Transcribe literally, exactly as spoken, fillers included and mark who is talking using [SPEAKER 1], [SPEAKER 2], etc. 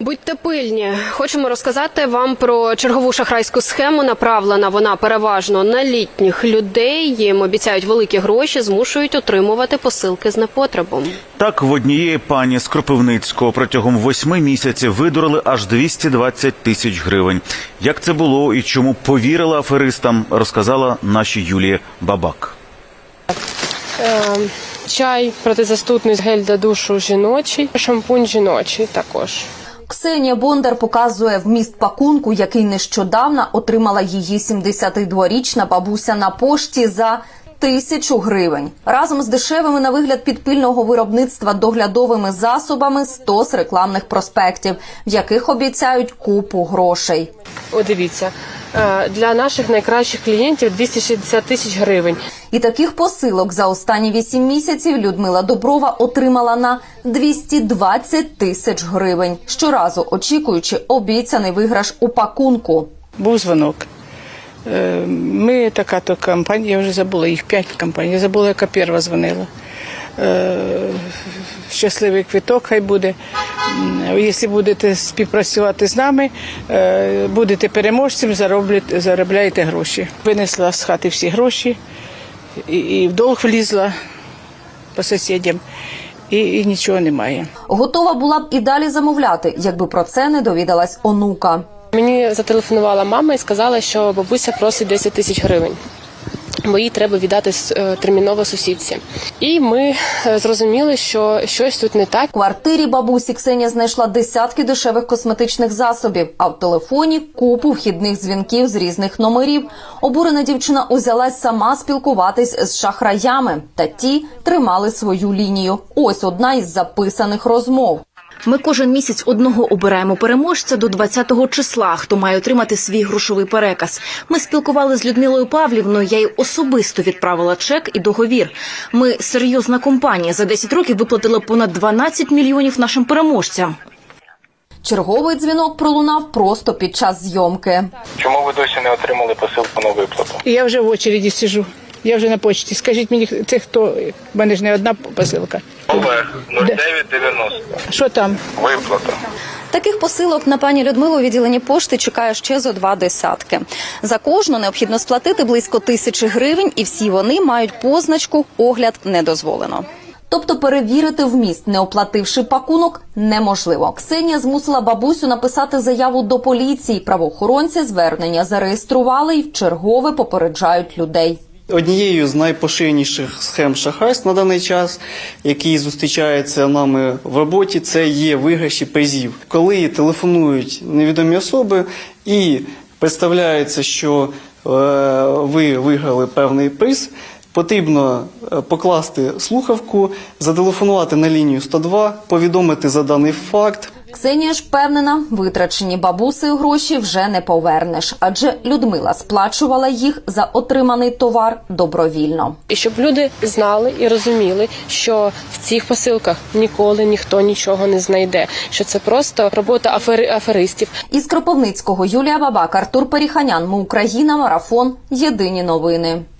[SPEAKER 1] Будьте пильні. Хочемо розказати вам про чергову шахрайську схему. Направлена вона переважно на літніх людей. Їм обіцяють великі гроші, змушують отримувати посилки з непотребом.
[SPEAKER 2] Так, в однієї пані з Кропивницького протягом восьми місяців видурили аж двісті двадцять тисяч гривень. Як це було і чому повірила аферистам, розказала наша Юлія Бабак.
[SPEAKER 3] Е, чай протизастудний, гель для душу жіночий, шампунь жіночий також.
[SPEAKER 4] Ксенія Бондар показує вміст пакунку, який нещодавно отримала її сімдесятидворічна бабуся на пошті за тисячу гривень. Разом з дешевими на вигляд підпільного виробництва доглядовими засобами стос рекламних проспектів, в яких обіцяють купу грошей.
[SPEAKER 3] О, дивіться, для наших найкращих клієнтів двісті шістдесят тисяч гривень.
[SPEAKER 4] І таких посилок за останні вісім місяців Людмила Доброва отримала на двісті двадцять тисяч гривень, щоразу очікуючи обіцяний виграш у пакунку.
[SPEAKER 5] Був дзвонок. Ми така-то компанія, я вже забула, їх п'ять компаній, я забула, яка перша дзвонила. Щасливий квиток хай буде. Якщо будете співпрацювати з нами, будете переможцем, заробляєте гроші. Винесла з хати всі гроші, і, і в долг влізла по сусідям, і, і нічого немає.
[SPEAKER 4] Готова була б і далі замовляти, якби про це не довідалась онука.
[SPEAKER 3] Мені зателефонувала мама і сказала, що бабуся просить десять тисяч гривень, бо їй треба віддати терміново сусідці. І ми зрозуміли, що щось тут не так.
[SPEAKER 4] В квартирі бабусі Ксенія знайшла десятки дешевих косметичних засобів, а в телефоні купу вхідних дзвінків з різних номерів. Обурена дівчина узялась сама спілкуватись з шахраями, та ті тримали свою лінію. Ось одна із записаних розмов.
[SPEAKER 6] Ми кожен місяць одного обираємо переможця до двадцятого числа, хто має отримати свій грошовий переказ. Ми спілкували з Людмилою Павлівною, я їй особисто відправила чек і договір. Ми серйозна компанія, за десять років виплатили понад дванадцять мільйонів нашим переможцям.
[SPEAKER 4] Черговий дзвінок пролунав просто під час зйомки.
[SPEAKER 7] Чому ви досі не отримали посилку на виплату?
[SPEAKER 5] Я вже в очереді сиджу, я вже на почті. Скажіть мені, це хто? В мене ж не одна посилка.
[SPEAKER 7] Олег, нуль дев'ять дев'яносто.
[SPEAKER 5] Що там?
[SPEAKER 7] Виплата.
[SPEAKER 4] Таких посилок на пані Людмилу у відділенні пошти чекає ще зо два десятки. За кожну необхідно сплатити близько тисячі гривень, і всі вони мають позначку «Огляд не дозволено». Тобто перевірити вміст, не оплативши пакунок, неможливо. Ксенія змусила бабусю написати заяву до поліції. Правоохоронці звернення зареєстрували і вчергове попереджають людей.
[SPEAKER 8] Однією з найпоширеніших схем шахрайств на даний час, які зустрічаються нами в роботі, це є виграші призів. Коли телефонують невідомі особи і представляється, що е, ви виграли певний приз, потрібно покласти слухавку, зателефонувати на лінію сто два, повідомити за даний факт.
[SPEAKER 4] Ксенія ж впевнена, витрачені бабусею гроші вже не повернеш, адже Людмила сплачувала їх за отриманий товар добровільно.
[SPEAKER 3] І щоб люди знали і розуміли, що в цих посилках ніколи ніхто нічого не знайде, що це просто робота афери, аферистів.
[SPEAKER 4] Із Кропивницького Юлія Бабак, Артур Періханян, Ми Україна, Марафон, Єдині новини.